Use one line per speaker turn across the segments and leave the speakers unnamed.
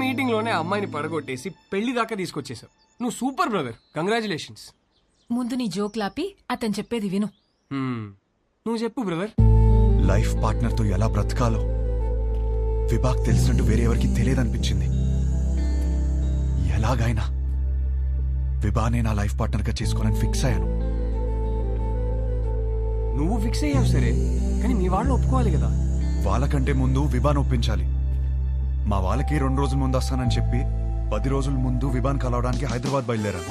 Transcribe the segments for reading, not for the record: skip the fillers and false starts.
Meeting లోనే అమ్మాయిని పడగొట్టేసి పెళ్లి దాకా తీసుకొచ్చేసావు. నువ్వు సూపర్ బ్రదర్, కంగ్రాచులేషన్స్.
ముందు నీ జోక్లాపి అతను చెప్పేది విను.
నువ్వు చెప్పు బ్రదర్.
లైఫ్ పార్ట్నర్ తో ఎలా బ్రతకాలో విభాగ్ తెలిసినట్టు వేరే ఎవరికి తెలియదనిపించింది. ఎలాగైనా విభానే నా లైఫ్ పార్ట్నర్ గా చేసుకోనని ఫిక్స్ అయ్యాను.
నువ్వు ఫిక్స్ అయ్యావు సరే, కానీ మీ వాళ్ళు ఒప్పుకోవాలి కదా.
వాళ్ళకంటే ముందు విభాన్ ఒప్పించాలి. మా వాళ్ళకి 2 రోజుల ముందు వస్తానని చెప్పి 10 రోజుల ముందు విభాన్ కలవడానికి హైదరాబాద్ బయలుదేరాను.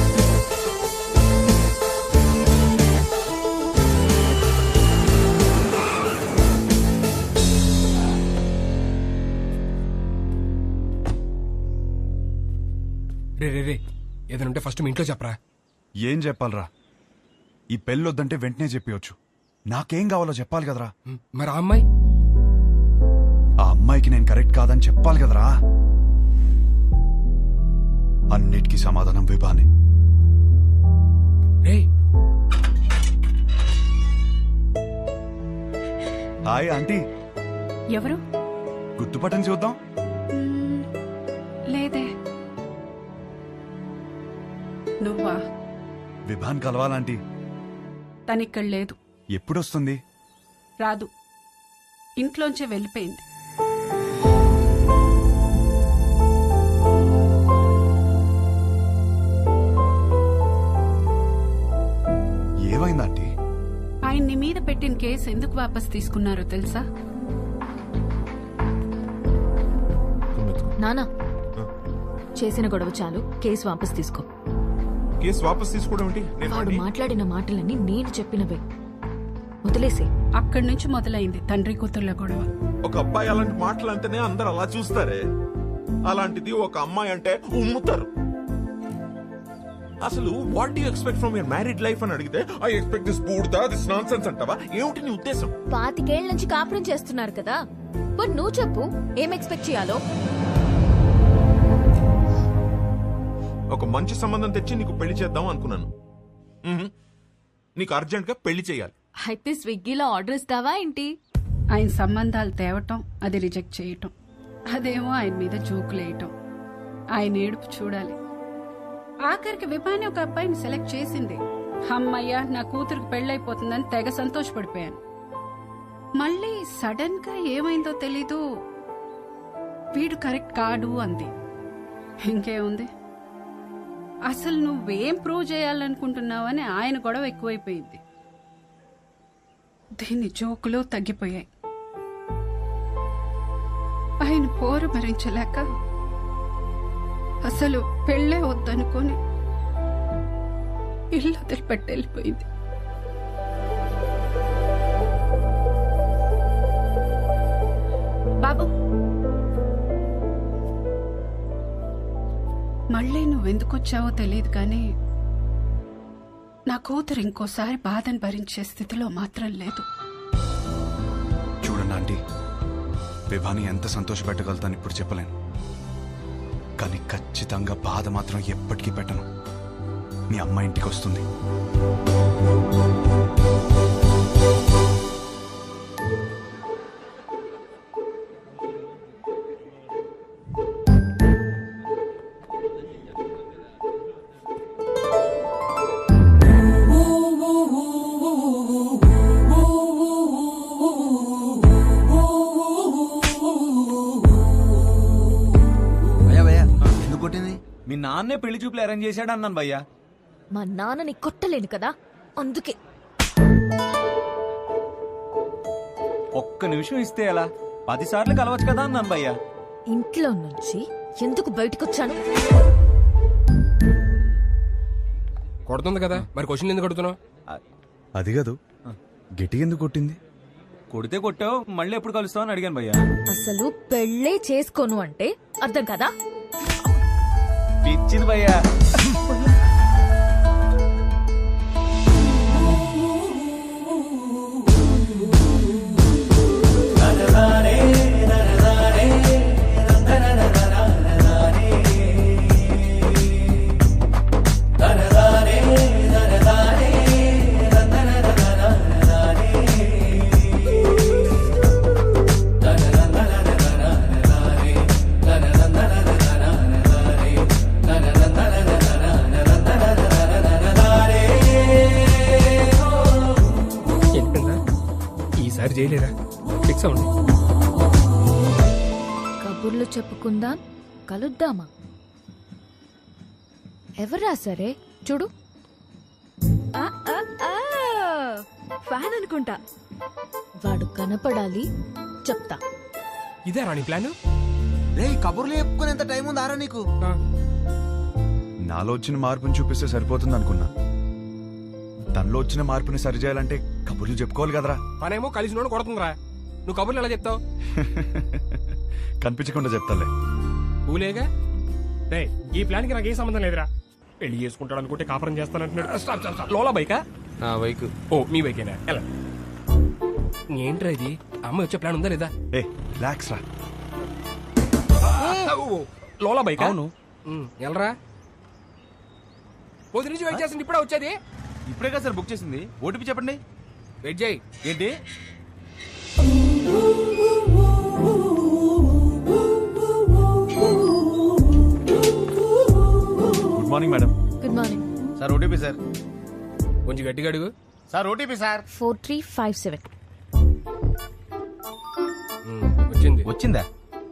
రే ఏదైనా ఉంటే ఫస్ట్ మీ ఇంట్లో చెప్పరా.
ఏం చెప్పాలరా? ఈ పెళ్ళొద్దంటే వెంటనే చెప్పవచ్చు. నాకేం కావాలో చెప్పాలి కదరా.
మరి ఆ అమ్మాయి?
ఆ అమ్మాయికి నేను కరెక్ట్ కాదని చెప్పాలి కదరా. అన్నిటికీ సమాధానం విభానే. Hi aunty.
ఎవరు?
గుర్తుపట్టని చూద్దాం.
లేదే. నువ్వా?
విభాన్ కలవాలంటీ.
తనిక్కడ లేదు.
ఎప్పుడొస్తుంది?
రాదు, ఇంట్లోంచే వెళ్ళిపోయింది.
ఏమైందంటీ?
ఆయన్ని మీద పెట్టిన కేసు ఎందుకు వాపస్ తీసుకున్నారో తెలుసా?
నానా, చేసిన గొడవ చాలు, కేసు వాపస్ తీసుకో.
కేసు వాపస్ తీసుకోవడం ఏంటి?
వాడు మాట్లాడిన మాటలన్నీ నేను చెప్పినవే, వదిలేసే.
అక్కడి నుంచి మొదలైంది తండ్రి కూతుర్ల గొడవ.
ఒక అబ్బాయి అలాంటి మాటలు అంటేనే అందరు అలా చూస్తారే, అలాంటిది ఒక అమ్మాయి అంటే ఉమ్ముతారు. అసలు what do you expect from your married life అని అడిగితే ఐ ఎక్స్పెక్ట్ దిస్ బూడ్దా, దిస్ నాన్సెన్స్ అంటావా? ఏమిటి నీ ఉద్దేశం?
25 ఏళ్ల నుంచి కాపురం చేస్తున్నారు కదా, మరి నువ్వు చెప్పు ఏం ఎక్స్పెక్ట్ చేయాలో.
ఒక మంచి సంబంధం తెచ్చి నీకు పెళ్లి చేద్దాం అనుకున్నాను. నీకు అర్జెంట్ గా పెళ్లి చేయాలి.
అయితే స్విగ్గీలో ఆర్డర్ ఇస్తావా ఏంటి?
ఆయన సంబంధాలు తేవటం, అది రిజెక్ట్ చేయటం, అదేమో ఆయన మీద జోకులేయటం. ఆయన ఏడుపు చూడాలి. ఆఖరికి విభాని ఒక అబ్బాయిని సెలెక్ట్ చేసింది. అమ్మయ్య, నా కూతురికి పెళ్ళైపోతుందని తెగ సంతోషపడిపోయాను. మళ్ళీ సడన్ గా ఏమైందో తెలీదు, వీడు కరెక్ట్ కాడు అంది. ఇంకేముంది, అసలు నువ్వేం ప్రూవ్ చేయాలనుకుంటున్నావని ఆయన గొడవ ఎక్కువైపోయింది. దీని జోకులు తగ్గిపోయాయి. ఆయన పోరు భరించలేక అసలు పెళ్ళే వద్దనుకొని ఇల్లు వదిలిపెట్టి వెళ్ళిపోయింది. బాబు, మళ్ళీ నువ్వెందుకొచ్చావో తెలియదు కానీ నా కూతురు ఇంకోసారి బాధను భరించే స్థితిలో మాత్రం లేదు.
చూడండి ఆంటీ, విభాని ఎంత సంతోషపెట్టగలుగుతాను ఇప్పుడు చెప్పలేను, కానీ ఖచ్చితంగా బాధ మాత్రం ఎప్పటికీ పెట్టను. మీ అమ్మ ఇంటికి వస్తుంది.
మీ నాన్నే పెళ్లి చూపులు అరేంజ్ చేశాడు అన్నాను భయ్యా.
మా నాన్నని కొట్టలేను కదా, అందుకే.
ఒక్క నిమిషం ఇస్తే ఎలా? 10 సార్లు కలవచ్చు కదా అన్నాను భయ్యా.
ఇంట్లో నుంచి ఎందుకు బయటకొచ్చాను?
కొడుతుంది కదా, మరి క్వశ్చన్ ఎందుకు కొడుతున్నావు?
అది కాదు, గిటి ఎందుకు కొట్టింది?
కొడితే కొట్టావు, మళ్ళీ ఎప్పుడు కలుస్తావు అని అడిగాను భయ్యా.
అసలు పెళ్ళే చేసుకోను అంటే అర్థం కదా?
పిచ్చింది భయ్యా.
చేయలేరా ఫిక్స్ అవ్వండి.
కబుర్లు చెప్పుకుందాం, కలుద్దామా? ఎవరు రాసారే చూడు. ఫ్యాన్ అనుకుంటా. వాడు కనపడాలి, చెప్తా.
ఇదే రాణి ప్లాన్.
రే కబుర్లు చెప్పుకునేంత టైం ఉందారా నీకు?
నాలో వచ్చిన మార్పుని చూపిస్తే సరిపోతుంది అనుకున్నా. తనలో వచ్చిన మార్పుని సరిచేయాలంటే కబుర్లు చెప్పుకోవాలి కదరా.
పనేమో కలిసి నోడు కొడుతుందిరా. నువ్వు కబుర్లు ఎలా చెప్తావు?
కనిపించకుండా చెప్తాలే.
ఊలేగా రే, ఈ ప్లాన్ కి నాకు ఏ సంబంధం లేదురా. పెళ్లి చేసుకుంటాడు అనుకుంటే కాపురం చేస్తానంటున్నాడు. Stop stop stop. లోలా బైకా?
నా బైక్.
ఓ మీ బైకేనా? ఎలా ఏంట్రా ఇది? అమ్మ వచ్చే ప్లాన్ ఉందా లేదా?
ఏ రిలాక్స్ రా.
లోలా బైక్?
అవును.
ఎలరా పొద్దు నుంచి వెయిట్ చేస్తుంది, ఇప్పుడే వచ్చేది.
ఇప్పుడే కదా సార్ బుక్ చేసింది. ఓటీపీ చెప్పండి.
వెయిట్ చేయి.
ఏంటి?
Good morning madam.
Good morning.
Sir OTP sir.
కొంచెం గట్టిగా అడుగు.
Sir OTP sir.
4357.
వచ్చింది.
వచ్చిందా?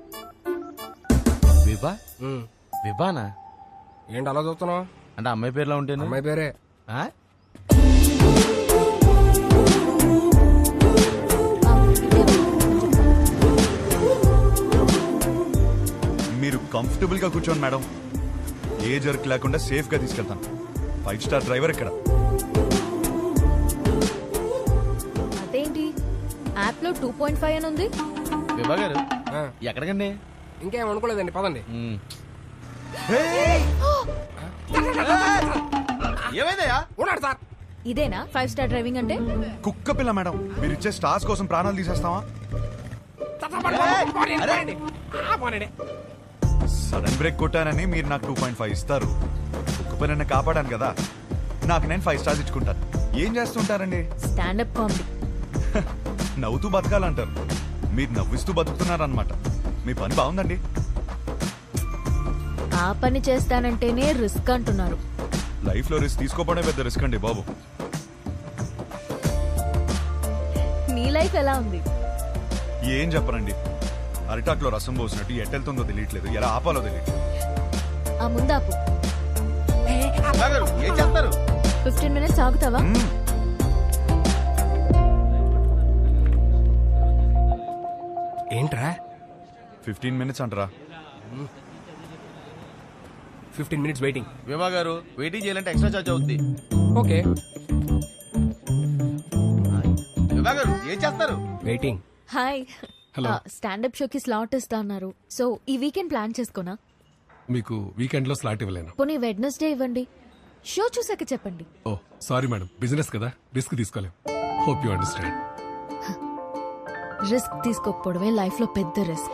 విభా?
ఉమ్.
విభానా?
ఏంటి అలా చూస్తున్నావు?
అంటే అమ్మాయి పేరులో ఉంటేనే.
అమ్మాయి పేరే.
ఆ?
మీరు కంఫర్టబుల్ గా కూర్చోండి మేడం. ఏ జర్క్ లేకుండా సేఫ్ గా తీసుకెళ్తాను. 5 స్టార్ డ్రైవర్ ఇక్కడ.
అదేంటి యాప్ లో 2.5 అని ఉంది?
విభా గారు
ఆ,
ఎక్కడికండి?
ఇంకేం అనుకోలేదండి, పదండి.
ఏమైందయ్యా?
ఉన్నాడు సార్.
ఇదేనా 5 స్టార్ డ్రైవింగ్ అంటే?
కుక్క పిల్ల మేడం. మీరు ఇచ్చే స్టార్స్ కోసం ప్రాణాలు తీసేస్తావా? సడన్ బ్రేక్ కొట్టానని మీరు నాకు 2.5 ఇస్తారు. కుక్క పిల్లని కాపాడాను కదా, నాకు నేను 5 స్టార్స్ ఇచ్చుకుంటాను. ఏం చేస్తుంటారండి?
Stand up comedy.
నవ్వుతూ బతకాలంటారు, మీరు నవ్విస్తూ బతుకుతున్నారన్నమాట. మీ పని బాగుందండి.
ఆ పని చేస్తానంటేనే రిస్క్ అంటున్నారు.
లైఫ్ లో రిస్క్ తీసుకోవడమే పెద్ద రిస్క్ అండి బాబు.
నీ లైఫ్ ఎలా ఉంది?
ఏం చెప్పరండి, అరిటాక్లో రసం పోసినట్టు ఎట్టెళ్తుందో తెలియట్లేదు, ఎలా ఆపాలో తెలియట్లేదు.
ఆ ముందాపు
విభా గారు ఏం చేస్తారు?
15 minutes ఆగుతావా?
ఏంట్రా
15 minutes అంటారా?
15 minutes వెయిటింగ్.
విభా గారు వెయిటింగ్ చేయాలంటే ఎక్స్ట్రా చార్జ్ అవుద్ది.
ఓకే
విభా గారు ఏం చేస్తారు?
వెయిటింగ్.
హాయ్. స్టాండప్ షోకి స్లాట్ ఇస్తా అన్నారు. సో ఈ వీకెండ్ ప్లాన్ చేసుకోనా?
మీకు వీకెండ్ లో స్లాట్ ఇవ్వలేను.
పోనీ వెడ్నెస్డే ఇవ్వండి. షో చూసాక చెప్పండి.
ఓ సారీ మేడం, బిజినెస్ కదా, రిస్క్ తీసుకోలేం. Hope you understand.
రిస్క్ తీసుకోకపోవడమే లైఫ్ లో పెద్ద రిస్క్.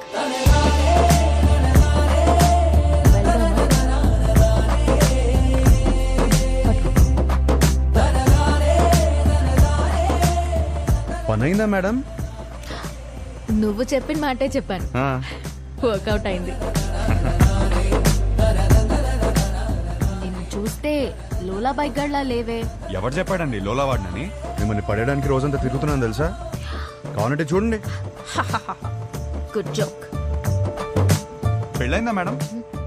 పనైందా మేడం?
నువ్వు చెప్పిన మాటే చెప్పాను. వర్కౌట్ అయింది. నిన్ను చూస్తే లోలా బైక్ గడ్లా లేవే.
ఎవరు చెప్పాడండి లోలా వాడినని? మిమ్మల్ని పడేయడానికి రోజంతా తిరుగుతున్నాను తెలుసా. కావాలంటే చూడండి.
Good joke.
పెళ్ళైందా మేడం?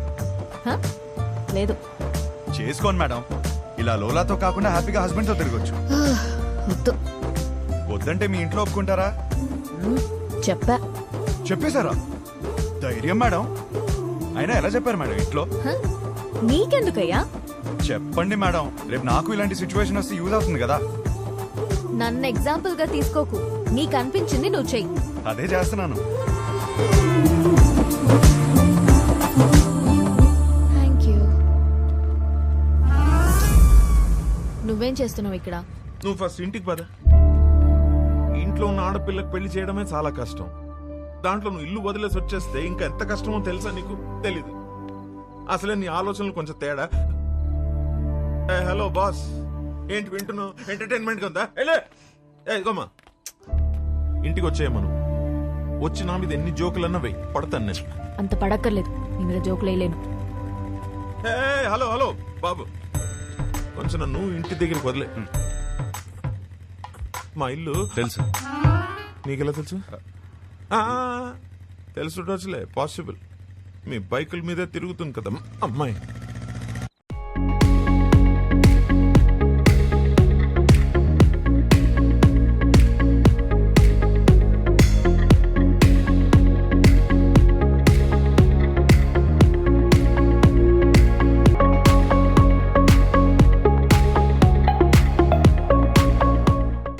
లేదు.
చేసుకోండి మేడం. ఇలా లోలాతో కాకుండా హ్యాపీగా హస్బెండ్ తో తిరగొచ్చు.
వద్దు.
వద్దంటే మీ ఇంట్లో ఒప్పుకుంటారా?
చెప్పా.
చెప్పేశారా? ధైర్యం మేడం. అయినా ఎలా చెప్పారు మేడం ఇంట్లో?
నీకెందుకయ్యా?
చెప్పండి మేడం, రేపు నాకు ఇలాంటి సిచ్యువేషన్ వస్తే యూజ్ అవుతుంది కదా.
నన్ను ఎగ్జాంపుల్ గా తీసుకోకు. నీకు అనిపించింది నువ్వు చెయ్యి.
అదే చేస్తున్నాను.
Thank you. నువ్వేం చేస్తున్నావు ఇక్కడ?
నువ్వు ఫస్ట్ ఇంటికి పద. ఇంట్లో ఉన్న ఆడపిల్లకి పెళ్లి చేయడమే చాలా కష్టం. దాంట్లో నువ్వు ఇల్లు వదిలేసి వచ్చేస్తే ఇంకా ఎంత కష్టమో తెలుసా నీకు? తెలీదు. అసలే నీ ఆలోచనలు కొంచెం తేడా. హలో బాస్, ఏంటి వింటున్నావు? ఎంటర్టైన్మెంట్ ఉందా? ఇదిగోమ్మా, ఇంటికి వచ్చేయమను. వచ్చి నా మీద ఎన్ని జోకులన్నా వెయ్యి, పడతాను నేను.
అంత పడక్కర్లేదు, నీ మీద జోకులు వేయలేను.
హలో హలో బాబు, కొంచెం నన్ను ఇంటి దగ్గరికి వదిలే. మా ఇల్లు
తెలుసు.
నీకెలా తెలుసు? తెలుసుండొచ్చులే, పాసిబుల్. మీ బైకుల మీదే తిరుగుతుంది కదా అమ్మాయి.